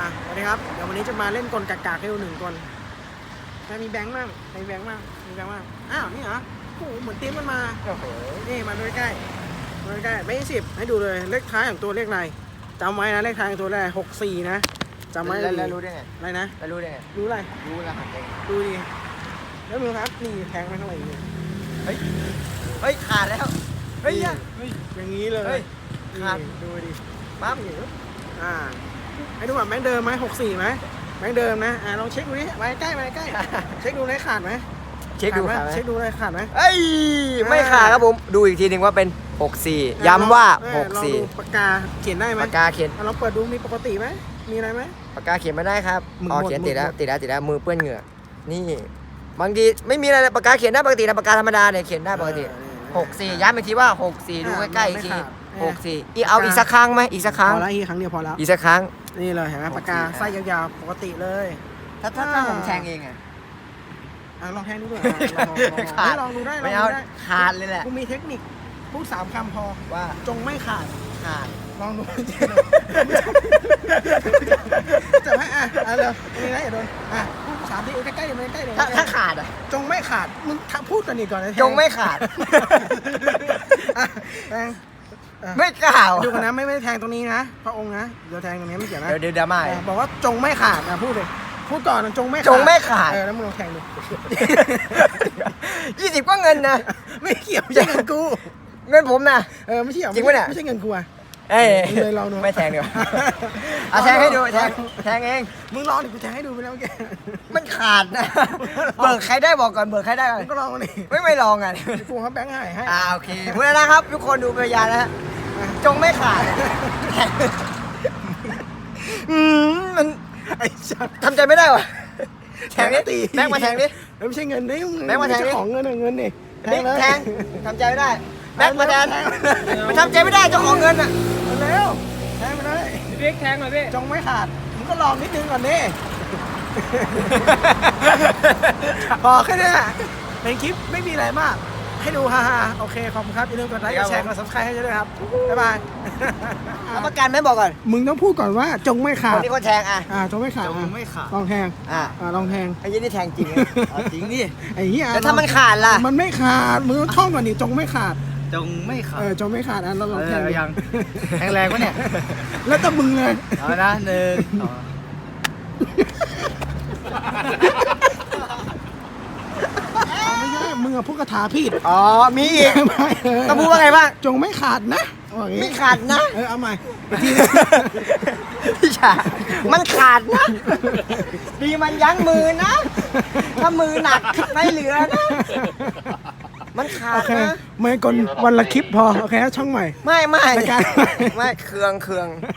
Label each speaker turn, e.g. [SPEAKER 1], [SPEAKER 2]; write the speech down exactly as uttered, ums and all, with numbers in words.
[SPEAKER 1] สวัสดีครับเดี๋ยววันนี้จะมาเล่นกลกากๆให้ดูหนึ่งกลใครมีแบงค์มั่งใครมีแบงค์มั่งมีแบงค์มั่งอ้าวนี่เหรอโอ้โหเหมือนตีมมันมาโอ้โหนี่มาดูใกล้มาดูใกล้ไม่สิบให้ดูเลยเลขท้ายของตัวเลขอะไรจำไว้นะเลขท้ายของตัวแรกหกสี่นะจำไว้
[SPEAKER 2] แล้วแล้วรู้ได้ไง
[SPEAKER 1] อะไรนะ
[SPEAKER 2] แล้วรู้ได้ไง
[SPEAKER 1] รู้อะไร
[SPEAKER 2] รู้รหัสได้ไง
[SPEAKER 1] ดูดิแล้วดูครับนี่แทงไปเท่าไหร่เนี่ย
[SPEAKER 2] เฮ้ยเฮ้ยขาดแล้วเฮ้ยเนี่ย
[SPEAKER 1] อย่างนี้เลย
[SPEAKER 2] เฮ้ยขาด
[SPEAKER 1] นี่ดูดิ
[SPEAKER 2] ปั๊บ
[SPEAKER 1] อ่าให้ดูแบบแบงค์เดิมไหมหกสี่ไหมแบงค์เดิมนะอ่าลองเช็คดูดิไว้ใกล้ไว้ใกล้เช็คดูเลยขาดไหม
[SPEAKER 2] เช็คดู
[SPEAKER 1] ขาด
[SPEAKER 2] ขาด
[SPEAKER 1] ไหม
[SPEAKER 2] ไหม
[SPEAKER 1] เช็คดูเลยขาดไหม
[SPEAKER 2] เอ้ยไม่ขาดครับผมดูอีกทีหนึ่งว่าเป็นหกสี่ย้ำว่า
[SPEAKER 1] เออ
[SPEAKER 2] หก
[SPEAKER 1] ลอง
[SPEAKER 2] สี่
[SPEAKER 1] ดูปากกาเขียนได้ไหม
[SPEAKER 2] ปากกาเขียน
[SPEAKER 1] อ่ะลองเปิดดูมีปกติไหมมีอะไรไหม
[SPEAKER 2] ปากกาเขียนไม่ได้ครับ
[SPEAKER 1] มึง
[SPEAKER 2] อ๋อ
[SPEAKER 1] หมด
[SPEAKER 2] เขียน
[SPEAKER 1] มึง
[SPEAKER 2] ติดแล้ว
[SPEAKER 1] หมด
[SPEAKER 2] ติดแล้วติดแล้วมือเปื้อนเหงื่อนี่บางทีไม่มีอะไรเลยปากกาเขียนได้ปกตินะปากกาธรรมดาเนี่ยเขียนได้ปกติ
[SPEAKER 1] เออ
[SPEAKER 2] หกสี่ย้ำอีกทีว่าหกสี่ดู
[SPEAKER 1] อ่ะ
[SPEAKER 2] ใกล้ๆ
[SPEAKER 1] มั
[SPEAKER 2] อี
[SPEAKER 1] น
[SPEAKER 2] ก
[SPEAKER 1] ไม่
[SPEAKER 2] ที
[SPEAKER 1] ขาด
[SPEAKER 2] หกสี่อีกเอาอีกสักครั้งไหมอีกสักครั้ง
[SPEAKER 1] พอแล้วอีกครั้งเดียวพอแล้ว
[SPEAKER 2] อีกสักครั้ง
[SPEAKER 1] นี่เลยเห็นไหมปากกา
[SPEAKER 2] หกสี่
[SPEAKER 1] ไส้ยาวๆปกติเลย
[SPEAKER 2] ถ้าถ้าถ้าผมแทงเองอะ
[SPEAKER 1] อ่ะลองแทงดูด้วยอ่ะลองลองลอง
[SPEAKER 2] ขาด
[SPEAKER 1] ลองดูได้ล
[SPEAKER 2] ไม่
[SPEAKER 1] อง
[SPEAKER 2] เอา
[SPEAKER 1] ดูได้
[SPEAKER 2] ขาดเลยแหละ
[SPEAKER 1] กูมีเทคนิคพูดสามคำพอ
[SPEAKER 2] ว่า
[SPEAKER 1] จงไม่ขาด
[SPEAKER 2] ขาด
[SPEAKER 1] ลองดู จะให้อ่ะอ่ะเร็วนี่นะอย่าโดนอ่ะพูดสามทีใกล้ๆเดี๋ยวมันใกล้ๆเดี๋ยว
[SPEAKER 2] ถ้า
[SPEAKER 1] มันใก
[SPEAKER 2] ถ้า
[SPEAKER 1] ล้
[SPEAKER 2] ขาดอ่ะ
[SPEAKER 1] จงไม่ขาดมึงพูดกันอีกก่อนนะแท
[SPEAKER 2] จงไม่ขาด
[SPEAKER 1] อ่ะแทงอ่ะ
[SPEAKER 2] ไม่กล่าว
[SPEAKER 1] ดูกันนะไม่ไม่ได้แทงตรงนี้นะพระองค์นะเดี๋ยวแทงตรงนี้ไม่เกี่ยวนะ
[SPEAKER 2] เดี๋ยวเดี๋ยวดราม่า
[SPEAKER 1] เออบอกว่าจงไม่ขาดนะพูดเลยพูดก่อนนะจงไม่ขาด
[SPEAKER 2] จงไม่ขาด
[SPEAKER 1] เออแล้วมึงลองแทงดู
[SPEAKER 2] ยี่สิบก็เงินนะ
[SPEAKER 1] ไม่เกี่ยวไม่ใช่เงินกู
[SPEAKER 2] เงินผมนะ
[SPEAKER 1] เออไม่ใช่เกี่ยว
[SPEAKER 2] จริงปะเนี่ย
[SPEAKER 1] ไม่ใช่เงินกูอ่ะ
[SPEAKER 2] เอ้ย
[SPEAKER 1] มึงเลยลองดู
[SPEAKER 2] ไม่แทงดีกว่าเอาแทงให้ดูแทงแทงเอง
[SPEAKER 1] มึงลองดิกูแทงให้ดูไปแล้วแก
[SPEAKER 2] มันขาดนะ เบิกใครได้บอกก่อนเบิกใครได้ก่อน
[SPEAKER 1] มึงก็ลองดิ
[SPEAKER 2] ไม่ไม่ลองอ่ะ
[SPEAKER 1] กูเขาแบงค์ให้ให้
[SPEAKER 2] อ่าโอเคพูดแล้วนะครับ ทุกคนดูพยานนะฮะจงไม่ขาดอืมมัน
[SPEAKER 1] ไอ้ชัด
[SPEAKER 2] ทำใจไม่ได้วะแทงดิ
[SPEAKER 1] ตี
[SPEAKER 2] แบงค์มาแทงดิ
[SPEAKER 1] ไม่ใช่เงินนี่
[SPEAKER 2] แบงค์มาแทงดิ
[SPEAKER 1] เจ้าของเงินอะเงินนี่
[SPEAKER 2] นี่
[SPEAKER 1] เลย
[SPEAKER 2] แทงทำใจไม่ได้แบงค์มาแทนมันทำใจไม่ได้เจ้าของเงินอ่ะ
[SPEAKER 1] มาเร็วแทงไปเลย
[SPEAKER 3] พี่บิ๊กแทงหน่อยพี่
[SPEAKER 1] จงไม่ขาดมึงก็ลองนิดนึงก่อนดิ พอแค่เนี้ยเป็นคลิปไม่มีอะไรมาก ให้ดูฮ่าๆโอเคขอบคุณครับอย่าลืมกดไลค์กดแชร์กดซับสไครต์ให้ด้วยครับบ๊ายบาย
[SPEAKER 2] เอาประกันไหมบอกก่อน
[SPEAKER 1] มึงต้องพูดก่อนว่าจงไม่ขา
[SPEAKER 2] คน
[SPEAKER 1] ด
[SPEAKER 2] ที่เขาแทงอ่ะ
[SPEAKER 1] อ่าจงไม่ขาด
[SPEAKER 2] จง
[SPEAKER 1] อ่ะ
[SPEAKER 2] ไม่ขาด
[SPEAKER 1] ลองแทง
[SPEAKER 2] อ่ะ
[SPEAKER 1] อ่าลองแทง
[SPEAKER 2] ไอ้ยี่นี่แทงจริงจริงดิ
[SPEAKER 1] ไอ้เหี้ย
[SPEAKER 2] แล้วถ้ามันขาดล่ะ
[SPEAKER 1] มันไม่ขาดมึงต้องท่องก่อนดิจงไม่ขาด
[SPEAKER 3] จงไม่ขา
[SPEAKER 1] เอ
[SPEAKER 3] ด
[SPEAKER 1] อจงไม่ขาดอ่ะเราลองแทงดิ
[SPEAKER 3] ยังแทงแรงวะเนี่ย
[SPEAKER 1] แล้วแต่มึงเลย
[SPEAKER 3] เอานะหนึ่งสอง
[SPEAKER 1] ไม่ใช่มึงอะพูดคาถาผิด
[SPEAKER 2] อ๋อมีอีก
[SPEAKER 1] ไม่เออ
[SPEAKER 2] ต้องพูดว่าไงบ้าง
[SPEAKER 1] จงไม่ขาดนะว่าอย่างงี้
[SPEAKER 2] ไม่ขาดนะ
[SPEAKER 1] เออเอาใหม่อีกทีนึง
[SPEAKER 2] พี่ชายมันขาดนะ ดีมันยั้งมือนะ ถ้ามือหนักไม่เหลือนะ มันขา
[SPEAKER 1] โอ
[SPEAKER 2] ด
[SPEAKER 1] เค
[SPEAKER 2] นะ
[SPEAKER 1] ไม่กลวันละคลิปพอโอเคช่องใหม่
[SPEAKER 2] ไม่ไม่
[SPEAKER 1] รายการ
[SPEAKER 2] ไม่เคืองเคือง